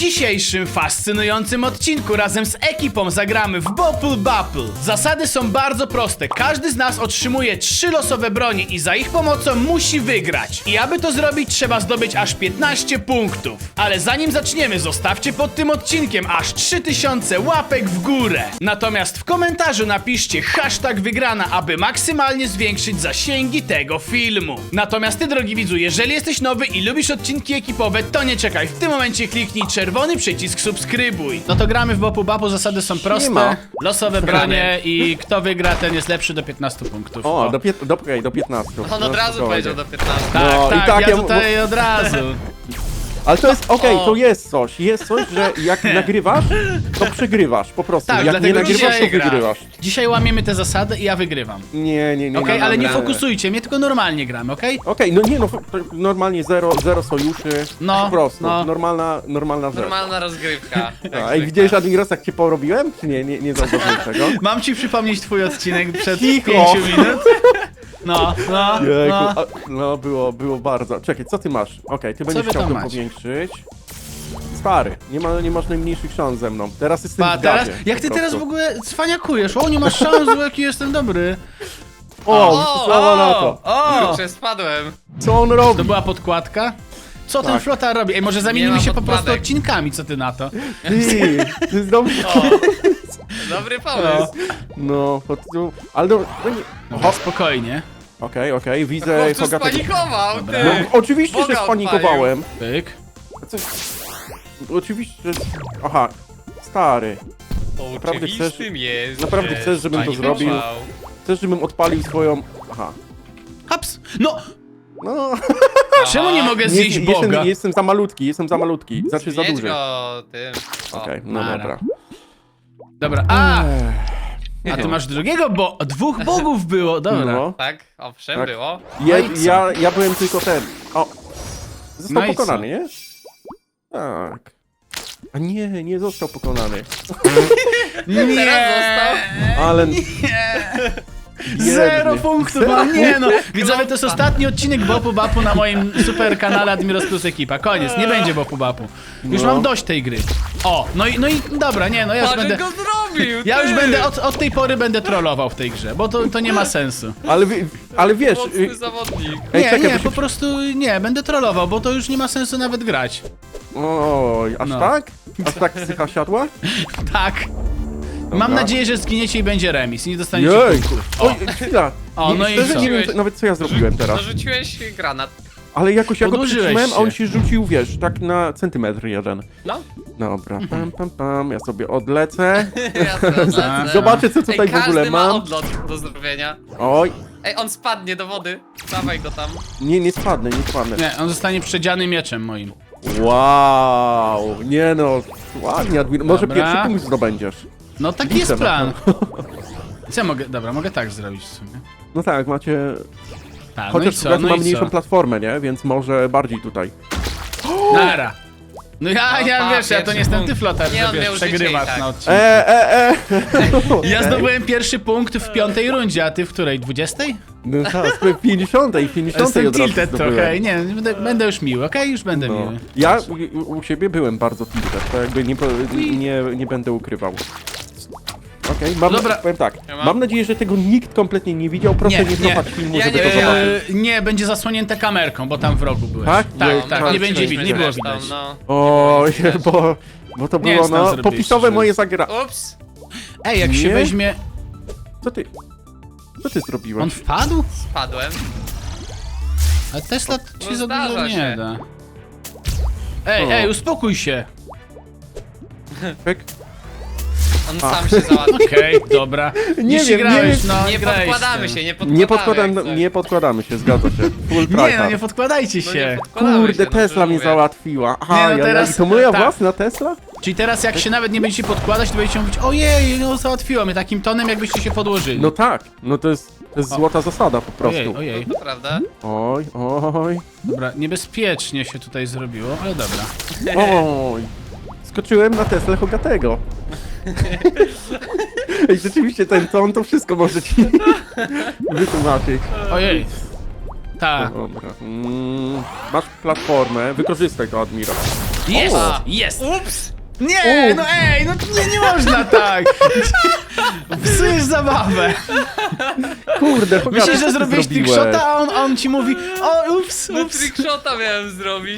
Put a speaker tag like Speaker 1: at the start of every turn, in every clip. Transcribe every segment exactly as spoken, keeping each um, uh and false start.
Speaker 1: dzisiejszym fascynującym odcinku razem z ekipą zagramy w Bopple Bapple. Zasady są bardzo proste. Każdy z nas otrzymuje trzy losowe broni i za ich pomocą musi wygrać. I aby to zrobić, trzeba zdobyć aż piętnaście punktów. Ale zanim zaczniemy, zostawcie pod tym odcinkiem aż trzy tysiące łapek w górę. Natomiast w komentarzu napiszcie hashtag wygrana, aby maksymalnie zwiększyć zasięgi tego filmu. Natomiast ty, drogi widzu, jeżeli jesteś nowy i lubisz odcinki ekipowe, to nie czekaj. W tym momencie kliknij czerwony przycisk subskrybuj. No to gramy w Bopple Bapple, zasady są proste.
Speaker 2: ma.
Speaker 1: Losowe bronie i kto wygra, ten jest lepszy do piętnastu punktów.
Speaker 2: O, do, pię do, okay, do piętnastu.
Speaker 3: On od razu powiedział do piętnastu.
Speaker 1: Tak,
Speaker 2: No,
Speaker 1: tak,
Speaker 2: i tak
Speaker 1: ja
Speaker 2: ja-
Speaker 1: tutaj od razu.
Speaker 2: Ale to jest, okej,
Speaker 3: O.
Speaker 2: to jest coś. Jest coś, że jak nagrywasz, to przegrywasz, po prostu.
Speaker 1: Tak,
Speaker 2: jak nie
Speaker 1: dlatego
Speaker 2: nagrywasz,
Speaker 1: dzisiaj
Speaker 2: to
Speaker 1: gra.
Speaker 2: wygrywasz.
Speaker 1: Dzisiaj łamiemy te zasady i ja wygrywam.
Speaker 2: Nie, nie, nie.
Speaker 1: Okej,
Speaker 2: nie,
Speaker 1: ale nie
Speaker 2: dobra.
Speaker 1: fokusujcie mnie, tylko normalnie gramy, okej?
Speaker 2: Okej, no nie, no to normalnie zero, zero sojuszy.
Speaker 1: No,
Speaker 2: po prostu.
Speaker 1: no.
Speaker 2: Normalna, normalna rzecz.
Speaker 3: Normalna rozgrywka.
Speaker 2: A, Ej, widziałeś, Admiros, jak cię porobiłem? Czy nie, nie, nie zauważyłem tego?
Speaker 1: Mam ci przypomnieć twój odcinek przed
Speaker 2: Cicho.
Speaker 1: pięciu minut? No, no,
Speaker 2: Jejku,
Speaker 1: no.
Speaker 2: a, no było, było bardzo. Czekaj, co ty masz? Okej, ty będziesz
Speaker 1: wy
Speaker 2: chciał
Speaker 1: tam
Speaker 2: to
Speaker 1: macie?
Speaker 2: powiększyć. Stary, nie, ma, nie masz najmniejszych szans ze mną. Teraz jestem
Speaker 1: Pa,
Speaker 2: w
Speaker 1: teraz,
Speaker 2: gazie,
Speaker 1: jak
Speaker 2: po
Speaker 1: ty teraz w
Speaker 2: prostu.
Speaker 1: ogóle cwaniakujesz? O, nie masz szans, bo jaki jestem dobry.
Speaker 2: O,
Speaker 3: O,
Speaker 2: sława na to.
Speaker 1: o!
Speaker 3: Kurczę, spadłem.
Speaker 2: Co on robi?
Speaker 1: To była podkładka? Co ten
Speaker 2: Tak.
Speaker 1: flotar robi? Ej, może
Speaker 3: Nie
Speaker 1: zamienimy
Speaker 3: ma
Speaker 1: się po prostu
Speaker 3: podkładek.
Speaker 1: odcinkami, co ty na to?
Speaker 2: Ty, to jest dobry.
Speaker 3: O, dobry pomysł.
Speaker 2: No, po prostu... Ale do... no nie...
Speaker 1: Dobra, spokojnie.
Speaker 2: Okej, okej, widzę
Speaker 3: Chłopcu
Speaker 2: Hogatego.
Speaker 3: spanikował,
Speaker 1: Dobra.
Speaker 3: ty.
Speaker 2: No, oczywiście,
Speaker 3: Boga
Speaker 2: że spanikowałem.
Speaker 1: Pyk.
Speaker 2: Co... Oczywiście, że... Aha, stary. Naprawdę
Speaker 3: Oczywistym jest,
Speaker 2: naprawdę
Speaker 3: że
Speaker 2: chcesz, żebym to
Speaker 3: spanikował.
Speaker 2: zrobił? Chcesz, żebym odpalił swoją... Aha.
Speaker 1: Haps! No!
Speaker 2: No...
Speaker 1: Czemu nie mogę zjeść
Speaker 2: Nie,
Speaker 1: Boga?
Speaker 2: jestem, jestem za malutki, jestem za malutki. Znaczy za
Speaker 3: Zjedz
Speaker 2: duży.
Speaker 3: go tym. O.
Speaker 2: Okej, no
Speaker 1: Nara.
Speaker 2: dobra.
Speaker 1: Dobra, a!
Speaker 2: Ech,
Speaker 1: A ty masz drugiego, bo dwóch bogów było, dobra.
Speaker 2: No.
Speaker 3: Tak, owszem,
Speaker 2: Tak.
Speaker 3: było.
Speaker 2: Ja,
Speaker 1: No i co?
Speaker 2: ja, ja byłem tylko ten. O! Został
Speaker 1: No i
Speaker 2: pokonany, nie? Tak. A nie, nie został pokonany.
Speaker 1: Nie!
Speaker 3: Teraz został.
Speaker 2: Ale.
Speaker 1: Zero
Speaker 2: Biedny.
Speaker 1: punktów mam, nie no! Widzowie, to jest ostatni odcinek Bopple Bapple na moim super kanale Admiros Plus Ekipa. Koniec, nie będzie Bopple Bapple. Już
Speaker 2: No.
Speaker 1: mam dość tej gry. O, no i, no i dobra, nie no, ja już
Speaker 3: Patrz,
Speaker 1: będę...
Speaker 3: go zrobił,
Speaker 1: Ja już
Speaker 3: ty.
Speaker 1: będę, od, od tej pory będę trollował w tej grze, bo to, to nie ma sensu.
Speaker 2: Ale, wi- ale wiesz. y,
Speaker 3: Mocny zawodnik.
Speaker 2: Ej,
Speaker 1: Nie,
Speaker 2: czekaj,
Speaker 1: nie,
Speaker 2: bo się...
Speaker 1: po prostu nie, będę trollował, bo to już nie ma sensu nawet grać.
Speaker 2: Oj, aż
Speaker 1: No.
Speaker 2: tak? Aż tak psycha siadła?
Speaker 1: Tak. Mam nadzieję, że zginiecie i będzie remis i nie dostaniecie
Speaker 2: Jej!
Speaker 1: punktów.
Speaker 2: Oj, chwila.
Speaker 1: O,
Speaker 2: Nie,
Speaker 1: no i
Speaker 2: szczerze
Speaker 1: co?
Speaker 2: nie wiem co, nawet co ja zrobiłem teraz.
Speaker 3: Zarzuciłeś granat.
Speaker 2: Ale jakoś ja go
Speaker 1: Podłożyłeś
Speaker 2: przytrzymałem, a on
Speaker 1: się.
Speaker 2: się rzucił, wiesz, tak na centymetr jeden.
Speaker 3: No.
Speaker 2: Dobra, pam, pam, pam, ja sobie odlecę.
Speaker 3: Ja to lecę.
Speaker 2: Zobaczę, co tutaj
Speaker 3: Ej,
Speaker 2: w ogóle
Speaker 3: każdy ma
Speaker 2: mam.
Speaker 3: odlot do zrobienia.
Speaker 2: Oj,
Speaker 3: Ej, on spadnie do wody. Dawaj go tam.
Speaker 2: nie, nie spadnę, nie spadnę.
Speaker 1: Nie, on zostanie przedziany mieczem moim.
Speaker 2: Wow, nie no, ładnie, Admir. Może
Speaker 1: Dobra.
Speaker 2: pierwszy punkt zdobędziesz.
Speaker 1: No taki
Speaker 2: Liczę
Speaker 1: jest
Speaker 2: na
Speaker 1: plan. Co ja mogę, dobra, mogę tak zrobić w sumie.
Speaker 2: No tak, macie...
Speaker 1: Tak, no
Speaker 2: Chociaż
Speaker 1: i co,
Speaker 2: Hogaty
Speaker 1: no
Speaker 2: ma
Speaker 1: i
Speaker 2: mniejszą
Speaker 1: co?
Speaker 2: platformę, nie? Więc może bardziej tutaj.
Speaker 1: Nara. No ja,
Speaker 3: No
Speaker 1: ja
Speaker 3: pa,
Speaker 1: wiesz, ja to
Speaker 3: pierwszy
Speaker 1: nie jestem ty
Speaker 3: punkt.
Speaker 1: flotar,
Speaker 3: Nie,
Speaker 1: że
Speaker 3: on
Speaker 1: wiesz,
Speaker 3: miał życie
Speaker 1: przegrywasz
Speaker 3: i tak.
Speaker 1: na odcinku.
Speaker 2: E, e, e!
Speaker 1: Ja zdobyłem pierwszy punkt w piątej rundzie, a ty w której? dwudziestej?
Speaker 2: No tak, w pięćdziesiątej, w pięćdziesiątej
Speaker 1: Jestem
Speaker 2: od razu
Speaker 1: tilted
Speaker 2: zdobyłem.
Speaker 1: trochę, nie, będę, będę już miły, okej? Już będę
Speaker 2: No.
Speaker 1: miły.
Speaker 2: Ja u, u siebie byłem bardzo tilted, to jakby nie, po- nie, nie będę ukrywał. Okej, mam,
Speaker 1: Dobra.
Speaker 2: powiem tak,
Speaker 3: Ja mam-
Speaker 2: mam nadzieję, że tego nikt kompletnie nie widział, proszę
Speaker 1: Nie,
Speaker 2: nie,
Speaker 1: nie.
Speaker 2: cofać filmu,
Speaker 3: Ja
Speaker 2: żeby
Speaker 3: nie
Speaker 2: to
Speaker 3: wiedziałem.
Speaker 2: zobaczyć.
Speaker 1: Eee, nie, będzie zasłonięte kamerką, bo tam w rogu byłeś.
Speaker 2: Tak?
Speaker 1: Tak,
Speaker 2: Nie,
Speaker 1: tak,
Speaker 2: tak,
Speaker 1: nie będzie
Speaker 2: tak,
Speaker 1: widać, nie
Speaker 2: tak.
Speaker 1: było
Speaker 3: Zresztą,
Speaker 1: widać.
Speaker 3: No.
Speaker 2: Oj,
Speaker 3: Nie było widać.
Speaker 2: bo, bo to
Speaker 1: Nie
Speaker 2: było
Speaker 1: jest tam
Speaker 2: no,
Speaker 1: zrobiłeś,
Speaker 2: popisowe
Speaker 1: szczerze.
Speaker 2: moje zagra...
Speaker 3: Ups.
Speaker 1: Ej, jak się
Speaker 2: Nie?
Speaker 1: weźmie...
Speaker 2: Co ty? Co ty zrobiłeś?
Speaker 1: On wpadł?
Speaker 3: Spadłem.
Speaker 1: A Tesla ci
Speaker 3: No
Speaker 1: za dużo
Speaker 3: zdarza
Speaker 1: nie
Speaker 3: się.
Speaker 1: da. Ej,
Speaker 2: O.
Speaker 1: ej, uspokój się.
Speaker 2: Pyk.
Speaker 3: On
Speaker 2: A.
Speaker 3: sam się załatwił.
Speaker 1: Okej, dobra.
Speaker 2: Nie
Speaker 1: Nie
Speaker 2: wiem,
Speaker 1: ścigrałeś,
Speaker 2: nie
Speaker 1: no
Speaker 3: Nie
Speaker 1: grałeś
Speaker 3: podkładamy
Speaker 1: z
Speaker 3: się,
Speaker 1: tym.
Speaker 3: nie podkładamy.
Speaker 2: Nie, podkładam,
Speaker 3: jak coś.
Speaker 2: nie podkładamy się, zgadza się. Full
Speaker 1: Nie, no
Speaker 2: tryhard.
Speaker 1: nie podkładajcie
Speaker 3: No
Speaker 1: się.
Speaker 3: nie podkładamy
Speaker 2: Kurde,
Speaker 3: się, no
Speaker 2: Tesla
Speaker 3: to
Speaker 2: mnie
Speaker 3: mówię.
Speaker 2: załatwiła. Aha,
Speaker 1: Nie, no
Speaker 2: ja, ja,
Speaker 1: teraz-
Speaker 2: i to moja
Speaker 1: tak.
Speaker 2: własna Tesla?
Speaker 1: Czyli teraz jak się nawet nie będziecie podkładać, to będziecie mówić ojej, no załatwiła mnie takim tonem, jakbyście się podłożyli.
Speaker 2: No tak, no to jest, to jest
Speaker 1: O.
Speaker 2: złota zasada po prostu.
Speaker 1: Ojej, ojej.
Speaker 3: No to prawda?
Speaker 2: Oj, oj,
Speaker 1: Dobra, niebezpiecznie się tutaj zrobiło, ale dobra.
Speaker 2: oj. Skoczyłem na Teslę Hogatego. Ej, rzeczywiście ten ton to wszystko może ci wytłumaczyć.
Speaker 1: Ojej. Tak.
Speaker 2: Dobra. Mm, masz platformę, wykorzystaj to, Admiro.
Speaker 1: Jest!
Speaker 3: O!
Speaker 1: Jest!
Speaker 3: Ups!
Speaker 1: Nie,
Speaker 2: U.
Speaker 1: no ej, no nie, nie można tak! Psujesz zabawę.
Speaker 2: Kurde, Hogaty,
Speaker 1: Myślisz,
Speaker 2: co
Speaker 1: że
Speaker 2: ty
Speaker 1: zrobiłeś
Speaker 2: zrobiłeś?
Speaker 1: trickshota, a on, a on ci mówi o, ups,
Speaker 3: No
Speaker 1: ups.
Speaker 3: trickshota miałem zrobić.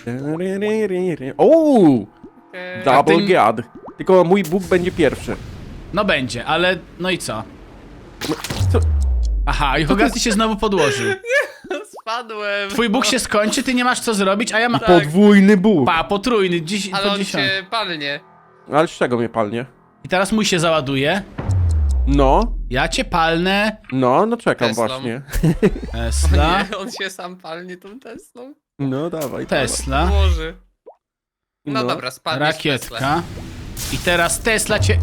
Speaker 2: Ooo!
Speaker 3: Okej.
Speaker 2: Double
Speaker 1: A ty-
Speaker 2: gad. Tylko mój Bóg będzie pierwszy.
Speaker 1: No będzie, ale no i co?
Speaker 2: No, co?
Speaker 1: Aha, i Hogarty się znowu podłożył.
Speaker 3: Spadłem.
Speaker 1: Twój Bóg się skończy, ty nie masz co zrobić, a ja mam...
Speaker 2: Podwójny Bóg.
Speaker 1: Pa, potrójny, dziś,
Speaker 3: Ale
Speaker 1: po
Speaker 3: on
Speaker 1: dziesiąt.
Speaker 3: się palnie.
Speaker 2: Ale z czego mnie palnie?
Speaker 1: I teraz mój się załaduje.
Speaker 2: No,
Speaker 1: Ja cię palnę.
Speaker 2: no, no czekam
Speaker 3: Teslą.
Speaker 2: właśnie.
Speaker 1: Tesla,
Speaker 3: Nie, on się sam palnie tą Teslą.
Speaker 2: No dawaj.
Speaker 1: Tesla,
Speaker 3: Może. No,
Speaker 2: No.
Speaker 3: dobra, spadniesz w Teslę.
Speaker 1: rakietka. I teraz Tesla cię...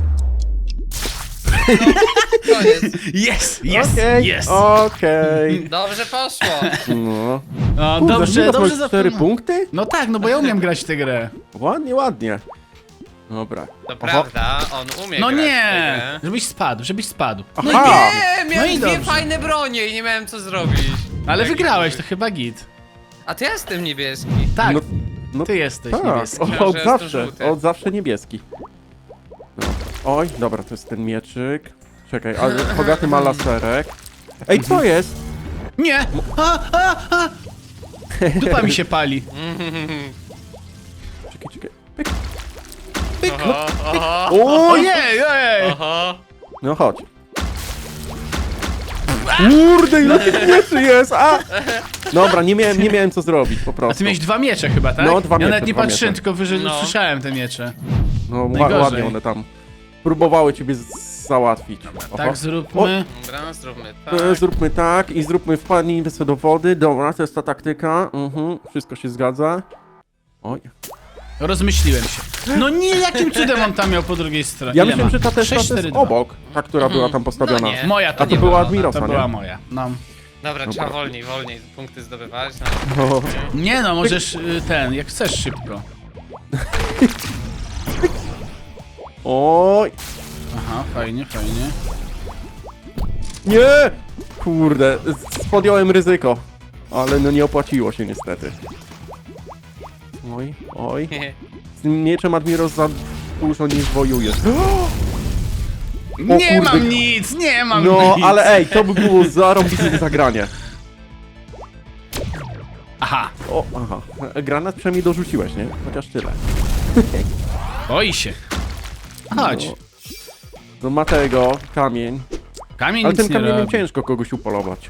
Speaker 3: Koniec.
Speaker 1: Jest, jest,
Speaker 2: Okej,
Speaker 1: jest.
Speaker 2: okej.
Speaker 3: Dobrze poszło.
Speaker 2: No.
Speaker 1: O,
Speaker 2: Kurde,
Speaker 1: dobrze,
Speaker 2: Admiros,
Speaker 1: dobrze
Speaker 2: masz cztery
Speaker 1: zapomniałem.
Speaker 2: punkty?
Speaker 1: No tak, no bo ja umiem grać w tę grę.
Speaker 2: Ładnie, ładnie. Dobra.
Speaker 3: To
Speaker 2: Oho.
Speaker 3: prawda, on umie
Speaker 1: No
Speaker 3: grać w tę
Speaker 1: nie,
Speaker 3: grę.
Speaker 1: żebyś spadł, żebyś spadł.
Speaker 2: Aha.
Speaker 1: No i nie,
Speaker 3: Nie, miałem
Speaker 1: No i
Speaker 3: dwie
Speaker 1: dobrze.
Speaker 3: fajne bronie i nie miałem co zrobić.
Speaker 1: ale
Speaker 3: Jaki
Speaker 1: wygrałeś, to
Speaker 3: duży.
Speaker 1: chyba git.
Speaker 3: A ty jestem niebieski.
Speaker 1: Tak,
Speaker 2: No, no
Speaker 1: ty jesteś
Speaker 2: tak,
Speaker 1: niebieski.
Speaker 3: Myślałem,
Speaker 2: o, od
Speaker 3: że jestem
Speaker 2: zawsze,
Speaker 3: żółty.
Speaker 2: od zawsze niebieski. No. Oj, dobra, to jest ten mieczyk. Czekaj, ale Hogaty ma laserek. Ej, co jest?
Speaker 1: Nie! A, a, a. Dupa mi się pali.
Speaker 2: Czekaj, czekaj. Pyk.
Speaker 3: Oho, oho,
Speaker 2: O,
Speaker 1: Ojej, ojej!
Speaker 3: oho.
Speaker 2: no chodź. Kurde, ile tych mieczy jest, a! Dobra, nie miałem, nie miałem co zrobić, po
Speaker 1: A
Speaker 2: prostu.
Speaker 1: ty miałeś dwa miecze chyba, tak?
Speaker 2: No, dwa
Speaker 1: Ja
Speaker 2: miecze,
Speaker 1: nawet nie
Speaker 2: dwa
Speaker 1: patrzyłem,
Speaker 2: miecze.
Speaker 1: tylko wyżej
Speaker 3: No.
Speaker 1: usłyszałem te miecze.
Speaker 2: No, ła-
Speaker 1: Najgorzej.
Speaker 2: ładnie one tam próbowały ciebie z- załatwić. Oho.
Speaker 1: Tak, zróbmy.
Speaker 3: Dobra, zróbmy
Speaker 2: E,
Speaker 3: tak.
Speaker 2: Zróbmy tak i zróbmy wpadnij sobie do wody. Dobra, to jest ta taktyka. Mhm, wszystko się zgadza. Oj.
Speaker 1: Rozmyśliłem się. No nie, jakim cudem on tam miał po drugiej stronie?
Speaker 2: Ja
Speaker 1: Ile
Speaker 2: myślałem,
Speaker 1: ma?
Speaker 2: że ta też
Speaker 1: sześć,
Speaker 2: jest
Speaker 1: cztery, dwa.
Speaker 2: obok, ta, która była tam postawiona.
Speaker 3: No nie.
Speaker 1: Moja to,
Speaker 2: A to
Speaker 1: nie
Speaker 2: była
Speaker 1: była,
Speaker 2: Admirosa,
Speaker 1: To
Speaker 2: nie?
Speaker 1: była moja. No.
Speaker 3: Dobra,
Speaker 2: Dobra.
Speaker 3: trzeba wolniej, wolniej punkty zdobywać.
Speaker 2: O,
Speaker 1: Nie no, możesz y, ten, jak chcesz szybko.
Speaker 2: oj,
Speaker 1: Aha, fajnie, fajnie.
Speaker 2: nie! Kurde, z- podjąłem ryzyko. Ale no nie opłaciło się niestety. Oj, oj. Z tym mieczem Admiros za dużo nie zwojujesz.
Speaker 1: Nie
Speaker 2: kurde.
Speaker 1: mam nic, nie mam
Speaker 2: No,
Speaker 1: nic.
Speaker 2: ale ej, to by było zarąbiste zagranie.
Speaker 1: Aha,
Speaker 2: O, aha. Granat przynajmniej dorzuciłeś, nie? Chociaż tyle.
Speaker 1: boi się. Chodź.
Speaker 2: No, no ma tego, kamień.
Speaker 1: Kamień
Speaker 2: Ale
Speaker 1: nic
Speaker 2: tym
Speaker 1: nie
Speaker 2: kamieniem
Speaker 1: robi.
Speaker 2: ciężko kogoś upolować.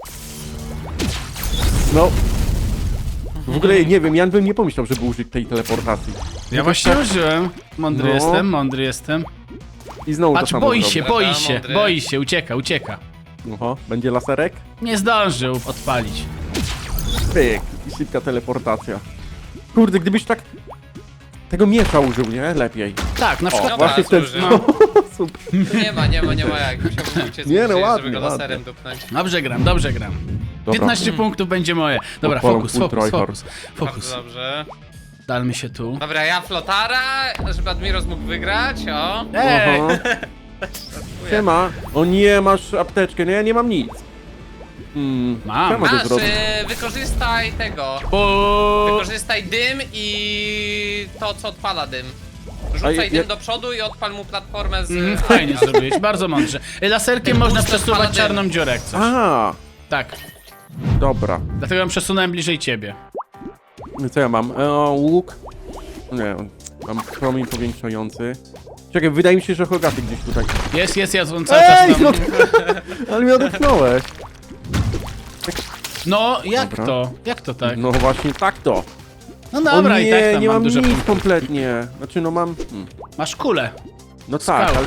Speaker 2: No. W ogóle nie wiem, Jan bym nie pomyślał, żeby użyć tej teleportacji.
Speaker 1: Ja właśnie użyłem. Mądry
Speaker 2: No.
Speaker 1: jestem, mądry jestem.
Speaker 2: I znowu
Speaker 1: Patrz,
Speaker 2: to samo
Speaker 1: boi
Speaker 2: zrobię.
Speaker 1: się,
Speaker 3: Dobra,
Speaker 1: boi się,
Speaker 3: mądry.
Speaker 1: boi się, ucieka, ucieka.
Speaker 2: Oho, będzie laserek?
Speaker 1: Nie zdążył odpalić.
Speaker 2: Pyk. I szybka teleportacja. Kurde, gdybyś tak... Tego miecza użył, nie? Lepiej.
Speaker 1: Tak, na przykład
Speaker 3: Dobra,
Speaker 2: Właśnie w ten
Speaker 3: służy.
Speaker 2: sposób.
Speaker 3: Nie ma, nie ma, nie ma jak. Musiałbym uciec
Speaker 2: Nie, no
Speaker 3: gdzieś,
Speaker 2: ładnie,
Speaker 3: żeby go
Speaker 2: ładnie.
Speaker 3: laserem dupnąć.
Speaker 1: Dobrze gram, dobrze gram.
Speaker 2: Dobra.
Speaker 1: piętnaście punktów będzie moje. Dobra,
Speaker 2: Odpalam
Speaker 1: fokus,
Speaker 2: full
Speaker 1: fokus,
Speaker 2: tryhard.
Speaker 1: fokus, fokus.
Speaker 3: Bardzo dobrze.
Speaker 1: Dalmy się tu.
Speaker 3: Dobra, ja flotara, żeby Admiros mógł wygrać, o.
Speaker 1: Ej!
Speaker 2: Oho. Siema. O nie, masz apteczkę. No ja nie mam nic. Hmm,
Speaker 1: Mam.
Speaker 2: co ja mogę
Speaker 3: Masz,
Speaker 2: zrobić?
Speaker 3: y, wykorzystaj tego.
Speaker 1: Bo...
Speaker 3: Wykorzystaj dym i to, co odpala dym. Rzucaj
Speaker 2: A ja-
Speaker 3: dym do przodu i odpal mu platformę z...
Speaker 1: Mm, fajnie zrobiłeś, bardzo mądrze. Laserkiem
Speaker 3: Ten
Speaker 1: można
Speaker 3: booster
Speaker 1: przesuwać
Speaker 3: paladyna.
Speaker 1: czarną dziurę jak coś.
Speaker 2: A,
Speaker 1: Tak,
Speaker 2: dobra.
Speaker 1: dlatego ją przesunąłem bliżej ciebie.
Speaker 2: Co ja mam? E, łuk? Nie, mam promień powiększający. Czekaj, wydaje mi się, że Hogaty gdzieś tutaj.
Speaker 1: Jest, jest, jest, on cały
Speaker 2: Ej,
Speaker 1: czas
Speaker 2: no,
Speaker 1: tam...
Speaker 2: ale mnie odepchnąłeś.
Speaker 1: No, jak
Speaker 2: Dobra.
Speaker 1: to? Jak to tak?
Speaker 2: No właśnie tak to.
Speaker 1: No dobra,
Speaker 2: o nie,
Speaker 1: i tak tam
Speaker 2: nie
Speaker 1: mam
Speaker 2: mam
Speaker 1: dużo
Speaker 2: nic
Speaker 1: punktów.
Speaker 2: kompletnie. Znaczy no mam... Hmm.
Speaker 1: Masz kulę.
Speaker 2: No tak,
Speaker 1: Skałkę.
Speaker 2: ale...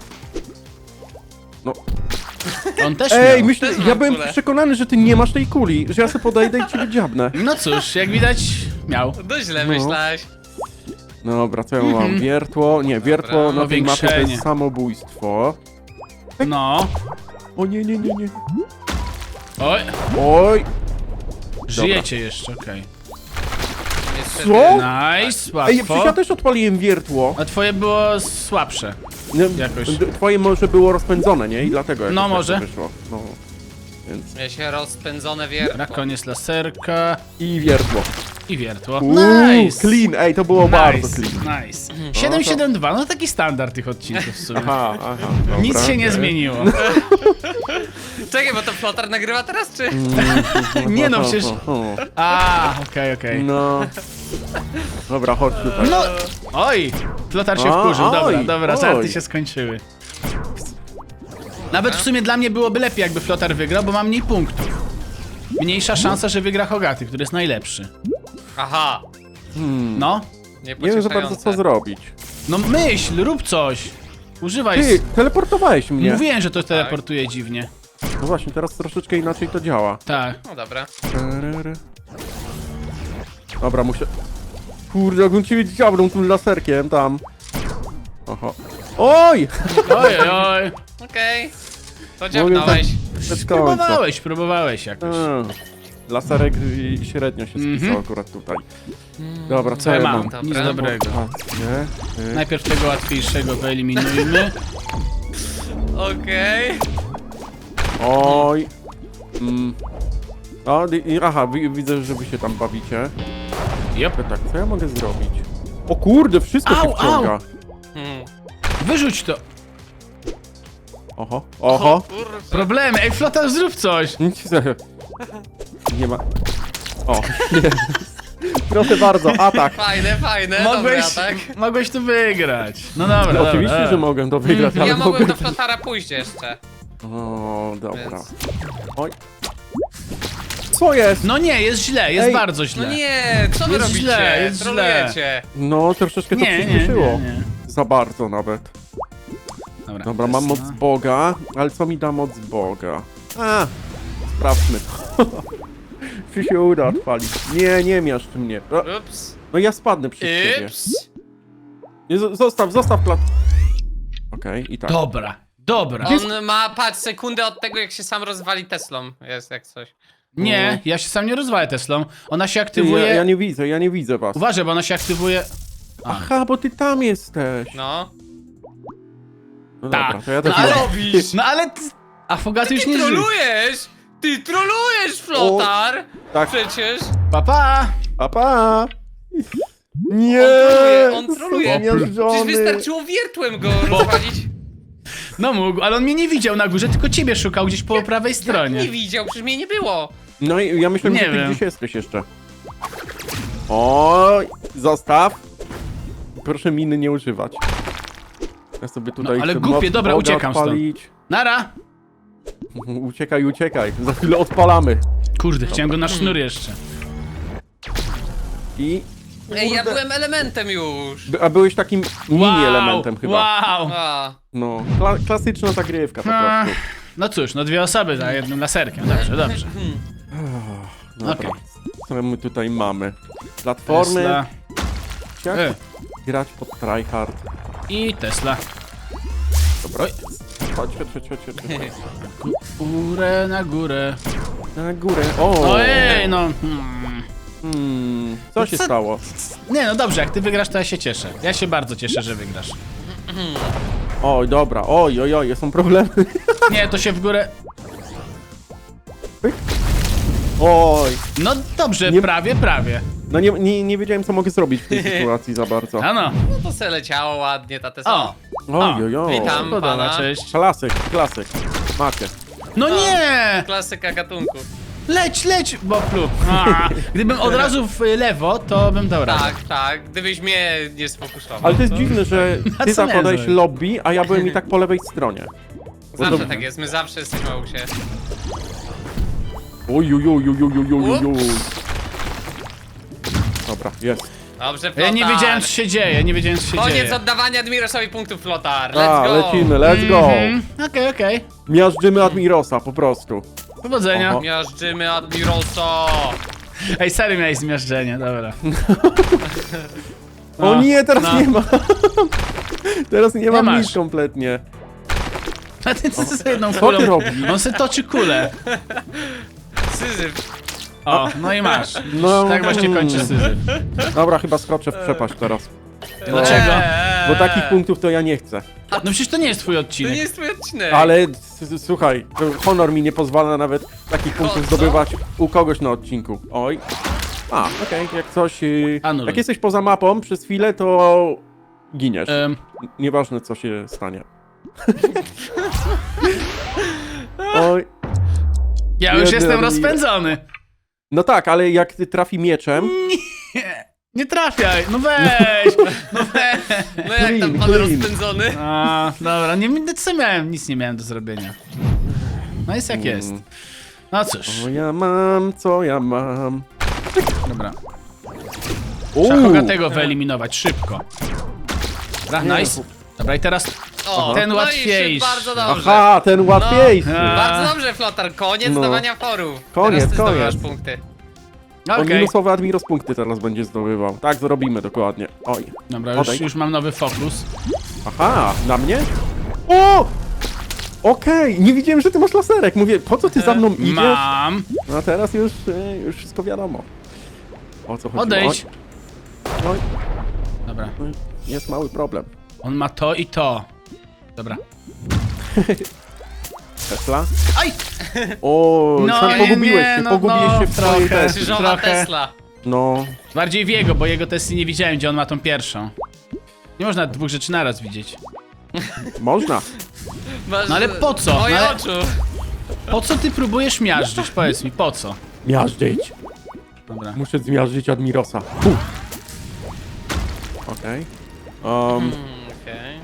Speaker 2: No.
Speaker 1: On też
Speaker 2: Ej,
Speaker 1: miał.
Speaker 2: myślę,
Speaker 3: Też
Speaker 2: ja
Speaker 3: mam
Speaker 2: byłem
Speaker 3: kulę.
Speaker 2: przekonany, że ty nie masz tej kuli, że ja sobie podejdę i ciebie dziabnę.
Speaker 1: No cóż, jak widać, miał.
Speaker 3: No źle
Speaker 2: No.
Speaker 3: myślałeś.
Speaker 2: Dobra, co ja mam? Wiertło, nie, wiertło
Speaker 3: Dobra.
Speaker 2: na tej mapie to
Speaker 1: Powiększenie.
Speaker 2: jest samobójstwo.
Speaker 1: No.
Speaker 2: O nie, nie, nie, nie.
Speaker 1: Oj,
Speaker 2: Oj,
Speaker 1: żyjecie jeszcze, okej.
Speaker 3: Niestety.
Speaker 2: co?
Speaker 1: Nice,
Speaker 2: Ej, przecież ja
Speaker 1: łatwo.
Speaker 2: też odpaliłem wiertło.
Speaker 1: A twoje było słabsze.
Speaker 2: Nie,
Speaker 1: Jakoś.
Speaker 2: d- Twoje może było rozpędzone, nie? I dlatego jakoś
Speaker 1: No,
Speaker 2: tak
Speaker 1: może.
Speaker 2: to wyszło. No. Więc...
Speaker 3: Ja się rozpędzone
Speaker 1: Na
Speaker 3: wiertło.
Speaker 1: koniec laserka
Speaker 2: I wiertło.
Speaker 1: i wiertło.
Speaker 2: Uuu,
Speaker 1: Nice!
Speaker 2: clean, ej, to było bardzo
Speaker 1: Nice,
Speaker 2: clean.
Speaker 1: nice. siedem siedem dwa, no taki standard tych odcinków w sumie.
Speaker 2: Aha, aha, dobra,
Speaker 1: Nic się nie
Speaker 2: okej.
Speaker 1: zmieniło.
Speaker 3: Czekaj, bo to Flotar nagrywa teraz, czy?
Speaker 1: Nie no, przecież...
Speaker 2: O, o, o.
Speaker 1: A, okej, okej.
Speaker 2: No. Dobra, chodź tutaj.
Speaker 1: No, oj! Flotar się
Speaker 2: A,
Speaker 1: wkurzył, dobra,
Speaker 2: oj,
Speaker 1: dobra,
Speaker 2: oj.
Speaker 1: żarty się skończyły. Nawet w sumie dla mnie byłoby lepiej, jakby Flotar wygrał, bo mam mniej punktów. Mniejsza szansa, że wygra Hogaty, który jest najlepszy.
Speaker 3: Aha.
Speaker 2: Hmm.
Speaker 1: No,
Speaker 3: Nie
Speaker 2: Nie wiem za bardzo co zrobić.
Speaker 1: no myśl, rób coś. Używaj...
Speaker 2: Ty,
Speaker 1: s-
Speaker 2: teleportowałeś mnie.
Speaker 1: Mówiłem, że to teleportuje dziwnie.
Speaker 2: No właśnie, teraz troszeczkę inaczej to działa.
Speaker 1: Tak.
Speaker 3: No dobra.
Speaker 2: Terery. Dobra, muszę... Kurde, jakbym cię dziabrą tym laserkiem tam. Oho. Oj!
Speaker 1: Oj, oj, oj.
Speaker 3: Okej. To
Speaker 2: Mogę
Speaker 3: dziabnąłeś.
Speaker 2: Bez końca.
Speaker 1: Próbowałeś, próbowałeś jakoś.
Speaker 2: Mm. Laserek y, średnio się
Speaker 1: Mhm.
Speaker 2: spisał akurat tutaj. Dobra, co
Speaker 1: Co ja
Speaker 2: ja
Speaker 1: mam?
Speaker 2: mam?
Speaker 3: Dobra.
Speaker 1: Nic dobrego.
Speaker 2: Nie? Y.
Speaker 1: Najpierw tego łatwiejszego wyeliminujmy.
Speaker 3: Okej.
Speaker 2: Oj. Mm. O, i- i- aha, wi- widzę, że wy się tam bawicie.
Speaker 1: Jop.
Speaker 2: To tak, co ja mogę zrobić? O kurde, wszystko się
Speaker 1: Au,
Speaker 2: wciąga.
Speaker 3: Hmm.
Speaker 1: Wyrzuć to.
Speaker 2: Oho, oho.
Speaker 3: kurczę.
Speaker 1: Problemy, ej Flotar, zrób coś.
Speaker 2: Nic się- Nie ma... O, jest. Proszę bardzo, atak.
Speaker 3: Fajne, fajne,
Speaker 1: Mogłeś,
Speaker 3: dobra, tak?
Speaker 1: mogłeś to wygrać. No dobra, dobra.
Speaker 2: Oczywiście,
Speaker 1: dobra.
Speaker 2: że mogę to wygrać, ale
Speaker 3: Ja mogłem
Speaker 2: mogłem...
Speaker 3: do Flotara pójść jeszcze.
Speaker 2: O, dobra.
Speaker 3: Więc-
Speaker 2: Oj. Co jest?
Speaker 1: No nie, jest źle, jest
Speaker 2: Ej.
Speaker 1: bardzo źle.
Speaker 3: No nie, co wy
Speaker 1: Jest
Speaker 3: robicie?
Speaker 1: źle, jest
Speaker 3: Trolujecie.
Speaker 2: No, troszeczkę to
Speaker 1: Nie, nie,
Speaker 2: przyspieszyło.
Speaker 1: nie, nie.
Speaker 2: Za bardzo nawet.
Speaker 1: Dobra,
Speaker 2: Dobra, mam moc
Speaker 1: Tesla.
Speaker 2: Boga, ale co mi da moc Boga? A, sprawdźmy to. Czy się uda odpalić? Nie, nie miaszcz mnie. O,
Speaker 3: Ups.
Speaker 2: no ja spadnę przez ciebie.
Speaker 3: Ups.
Speaker 2: Nie, zo- zostaw, zostaw klat... Okej, i tak.
Speaker 1: Dobra, dobra.
Speaker 3: On ma, patrz, sekundę od tego, jak się sam rozwali Teslą. Jest jak coś.
Speaker 1: Nie, ja się sam nie rozwalę Teslą. Ona się
Speaker 2: Ty,
Speaker 1: aktywuje...
Speaker 2: ja, ja nie widzę, ja nie widzę was.
Speaker 1: Uważaj, bo ona się aktywuje...
Speaker 2: Aha, bo ty tam jesteś.
Speaker 3: No.
Speaker 2: No
Speaker 1: Tak.
Speaker 2: dobra, to ja
Speaker 1: No
Speaker 2: też
Speaker 1: ale...
Speaker 2: mam.
Speaker 3: robisz?
Speaker 1: No ale... Ty... A Fogaty już
Speaker 3: Ty
Speaker 1: nie żyje.
Speaker 3: trolujesz! Ty trolujesz, Flotar!
Speaker 2: Tak,
Speaker 3: Przecież!
Speaker 1: Pa, pa.
Speaker 2: pa, pa. Nie!
Speaker 3: On troluje, on troluje.
Speaker 2: Zmiażdżony.
Speaker 3: Przecież wystarczyło wiertłem go rozwalić.
Speaker 1: No mógł, ale on mnie nie widział na górze, tylko ciebie szukał gdzieś po prawej
Speaker 3: Nie
Speaker 1: stronie.
Speaker 3: widział, przecież mnie nie było.
Speaker 2: No i ja myślałem,
Speaker 1: Nie
Speaker 2: że ty
Speaker 1: wiem.
Speaker 2: gdzieś jesteś jeszcze. Oj, zostaw. Proszę miny nie używać. Ja sobie tutaj
Speaker 1: No, ale
Speaker 2: chcę
Speaker 1: głupie,
Speaker 2: moc
Speaker 1: dobra,
Speaker 2: Boga
Speaker 1: uciekam stąd.
Speaker 2: odpalić.
Speaker 1: Nara!
Speaker 2: Uciekaj, uciekaj. Za chwilę odpalamy.
Speaker 1: Kurde, chciałem go na sznur jeszcze.
Speaker 2: I...
Speaker 3: Ej, ja
Speaker 2: Kurde.
Speaker 3: byłem elementem już.
Speaker 2: By- A byłeś takim mini-elementem chyba.
Speaker 1: Wow!
Speaker 3: A,
Speaker 2: No, kla klasyczna zagrywka po
Speaker 1: A,
Speaker 2: prostu.
Speaker 1: no cóż, no dwie osoby za jednym laserkiem. Dobrze, dobrze.
Speaker 2: Dobra.
Speaker 1: Okej.
Speaker 2: Co my tutaj mamy? Platformy.
Speaker 1: Tesla
Speaker 2: Jak
Speaker 1: E.
Speaker 2: grać pod tryhard.
Speaker 1: i Tesla.
Speaker 2: Dobra. Chodź, chodź, chodź, chodź, chodź.
Speaker 1: Górę na górę.
Speaker 2: Na górę. O!
Speaker 1: Ojej, no. Hmm.
Speaker 2: Hmm, co się
Speaker 1: Co-
Speaker 2: stało?
Speaker 1: Nie, no dobrze, jak ty wygrasz, to ja się cieszę. Ja się bardzo cieszę, że wygrasz.
Speaker 2: Oj, dobra, oj, oj, oj, są problemy.
Speaker 1: Nie, to się w górę...
Speaker 2: Oj,
Speaker 1: No dobrze,
Speaker 2: Nie-
Speaker 1: prawie, prawie.
Speaker 2: no nie, nie, nie wiedziałem, co mogę zrobić w tej sytuacji za bardzo.
Speaker 1: Ano.
Speaker 3: no to se leciało ładnie ta Tesla.
Speaker 1: O,
Speaker 2: Oj, oj, oj.
Speaker 3: Witam.
Speaker 1: podoba,
Speaker 3: pana.
Speaker 1: cześć.
Speaker 2: Klasyk, klasyk. Macie.
Speaker 1: No nie!
Speaker 3: Klasyka gatunku.
Speaker 1: Leć, leć, Boplu. A, gdybym od razu w lewo, to bym dał radę.
Speaker 3: Tak, tak, gdybyś mnie nie sfokusował.
Speaker 2: Ale to jest dziwne, że
Speaker 1: A
Speaker 2: ty
Speaker 1: co miałem
Speaker 2: zakładałeś
Speaker 1: zrobić?
Speaker 2: lobby, a ja byłem i tak po lewej stronie.
Speaker 3: Zawsze
Speaker 2: to-
Speaker 3: tak jest, my zawsze jesteśmy u siebie.
Speaker 2: Oj, oj, oj, oj, oj, oj, oj, oj. Dobra, jest.
Speaker 3: Dobrze,
Speaker 1: Ja
Speaker 3: Flotar.
Speaker 1: nie wiedziałem, co się dzieje, nie wiedziałem, co się
Speaker 3: Koniec
Speaker 1: dzieje.
Speaker 3: oddawania Admirosowi punktów, Flotar. Let's
Speaker 2: A,
Speaker 3: go.
Speaker 2: lecimy, let's go.
Speaker 1: Mhm, Okej, okej.
Speaker 2: Miażdżymy Admirosa, po prostu.
Speaker 1: Powodzenia.
Speaker 2: Oho.
Speaker 3: Miażdżymy Admirosa.
Speaker 1: Ej, serio miałeś zmiażdżenie, dobra.
Speaker 2: O
Speaker 1: No,
Speaker 2: nie, teraz
Speaker 1: no.
Speaker 2: nie ma. Teraz nie mam
Speaker 1: masz.
Speaker 2: nic kompletnie.
Speaker 1: A ty co z jedną
Speaker 2: Co
Speaker 1: kulą?
Speaker 2: ty robisz?
Speaker 1: On se toczy kulę.
Speaker 3: Syzyf.
Speaker 1: O, no i masz.
Speaker 2: No.
Speaker 1: Tak właśnie kończy syzyf.
Speaker 2: Dobra, chyba skoczę w przepaść teraz.
Speaker 1: Dlaczego?
Speaker 3: Eee.
Speaker 2: Bo takich punktów to ja nie chcę.
Speaker 1: No przecież to nie jest twój
Speaker 3: To
Speaker 1: odcinek.
Speaker 3: nie jest twój odcinek.
Speaker 2: Ale s- s- słuchaj, honor mi nie pozwala nawet takich punktów
Speaker 3: co?
Speaker 2: zdobywać u kogoś na odcinku. Oj. A, okej, jak coś... Yy,
Speaker 1: Anuluj.
Speaker 2: jak jesteś poza mapą przez chwilę, to giniesz.
Speaker 1: Em,
Speaker 2: Nieważne co się stanie. Oj.
Speaker 1: ja już
Speaker 2: Biedny
Speaker 1: jestem
Speaker 2: Admiro.
Speaker 1: rozpędzony.
Speaker 2: No tak, ale jak ty trafi mieczem...
Speaker 1: Nie, nie trafiaj, no weź. No weź.
Speaker 3: No jak tam
Speaker 2: Clean,
Speaker 3: pan
Speaker 2: clean.
Speaker 3: rozpędzony?
Speaker 1: A, dobra, nie, co miałem? Nic nie miałem do zrobienia. No jest jak jest. No cóż,
Speaker 2: Co ja mam, co ja mam?
Speaker 1: dobra. Trzeba
Speaker 2: Uuu.
Speaker 1: Hogatego wyeliminować, szybko. Dobra, nice. Dobra, i teraz
Speaker 3: O,
Speaker 1: ten
Speaker 3: no
Speaker 1: łatwiejszy.
Speaker 3: I się bardzo dobrze.
Speaker 2: Aha, ten łatwiejszy.
Speaker 1: No.
Speaker 3: Bardzo dobrze, Flotar. Koniec
Speaker 2: No.
Speaker 3: zdawania forów.
Speaker 2: Koniec,
Speaker 3: Teraz ty
Speaker 2: koniec.
Speaker 3: zdobywasz punkty.
Speaker 2: On
Speaker 1: okej.
Speaker 2: minusowy Admiros punkty teraz będzie zdobywał. Tak, zrobimy dokładnie. Oj.
Speaker 1: Dobra, już,
Speaker 2: Odejdź.
Speaker 1: już mam nowy fokus.
Speaker 2: Aha, na mnie? O! Okej, nie widziałem, że ty masz laserek. Mówię, po co ty za mną idziesz?
Speaker 1: Mam.
Speaker 2: No a teraz już, e, już wszystko wiadomo. O co chodzi?
Speaker 1: Odejdź.
Speaker 2: Oj, oj,
Speaker 1: Dobra,
Speaker 2: oj, jest mały problem.
Speaker 1: on ma to i to. Dobra.
Speaker 2: Tesla?
Speaker 1: Aj!
Speaker 2: O,
Speaker 1: No,
Speaker 2: sam
Speaker 1: nie,
Speaker 2: pogubiłeś
Speaker 1: nie,
Speaker 2: się,
Speaker 1: no,
Speaker 2: pogubiłeś
Speaker 1: no,
Speaker 2: się w swojej
Speaker 1: trochę.
Speaker 2: Tesli.
Speaker 3: Krzyżowa
Speaker 1: Trochę.
Speaker 3: Tesla.
Speaker 2: No,
Speaker 1: Bardziej w jego, bo jego testy nie widziałem, gdzie on ma tą pierwszą. Nie można dwóch rzeczy naraz widzieć.
Speaker 2: można.
Speaker 3: Masz,
Speaker 1: No ale po co?
Speaker 3: Moje
Speaker 1: No ale-
Speaker 3: oczu.
Speaker 1: Po co ty próbujesz miażdżyć? Powiedz mi, po co?
Speaker 2: Miażdżyć.
Speaker 1: Dobra.
Speaker 2: Muszę zmiażdżyć Admirosa. Fu. Okej. Um,
Speaker 3: Mm, Okej.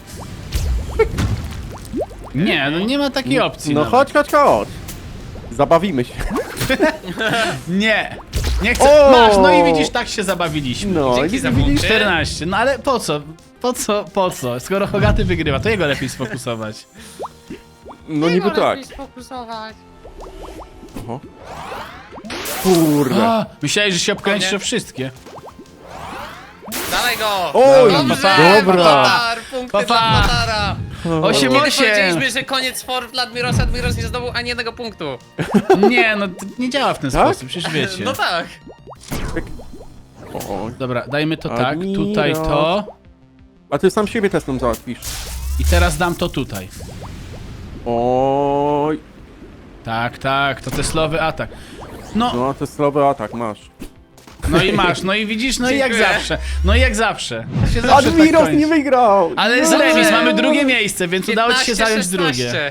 Speaker 1: Nie, no nie ma takiej opcji.
Speaker 2: no
Speaker 1: nawet.
Speaker 2: chodź, chodź, chodź. Zabawimy się.
Speaker 1: Nie. Nie chcę.
Speaker 2: O!
Speaker 1: Masz, no i widzisz, tak się zabawiliśmy.
Speaker 2: No,
Speaker 3: Dzięki
Speaker 2: i
Speaker 3: za
Speaker 2: widzisz?
Speaker 3: punkty.
Speaker 1: czternaście. No ale po co? Po co? Po co? Skoro Hogaty wygrywa, to jego lepiej sfokusować.
Speaker 2: No niby tak.
Speaker 3: Sfokusować.
Speaker 2: Oho. Kurde.
Speaker 1: A, myślałeś, że się obkręcisz
Speaker 3: Nie.
Speaker 1: o wszystkie.
Speaker 3: Dalej go!
Speaker 2: Oj,
Speaker 3: Dobrze,
Speaker 2: dobra.
Speaker 3: Flotar, punkty
Speaker 1: Pa, pa.
Speaker 3: dla Flotara.
Speaker 1: Osiem,
Speaker 3: Kiedy
Speaker 1: osiem.
Speaker 3: powiedzieliśmy, że koniec for dla Admirosa, Admiros nie zdobył ani jednego punktu.
Speaker 1: Nie, no to nie działa w ten
Speaker 2: Tak?
Speaker 1: sposób, przecież wiecie.
Speaker 3: No tak.
Speaker 2: O,
Speaker 1: Dobra, dajmy to tak,
Speaker 2: Admiro.
Speaker 1: tutaj to.
Speaker 2: a ty sam siebie testem załatwisz.
Speaker 1: I teraz dam to tutaj.
Speaker 2: Oj.
Speaker 1: Tak, tak, to teslowy atak. No,
Speaker 2: No, testowy atak masz.
Speaker 1: no i masz, no i widzisz, no i jak
Speaker 3: Dziękuję.
Speaker 1: zawsze. No i jak zawsze. To się zawsze tak
Speaker 2: Admiros
Speaker 1: kończy.
Speaker 2: nie wygrał!
Speaker 1: Ale
Speaker 2: Nie.
Speaker 1: z remis mamy drugie miejsce, więc udało ci się zająć
Speaker 3: piętnaście,
Speaker 1: drugie.
Speaker 3: szesnaście.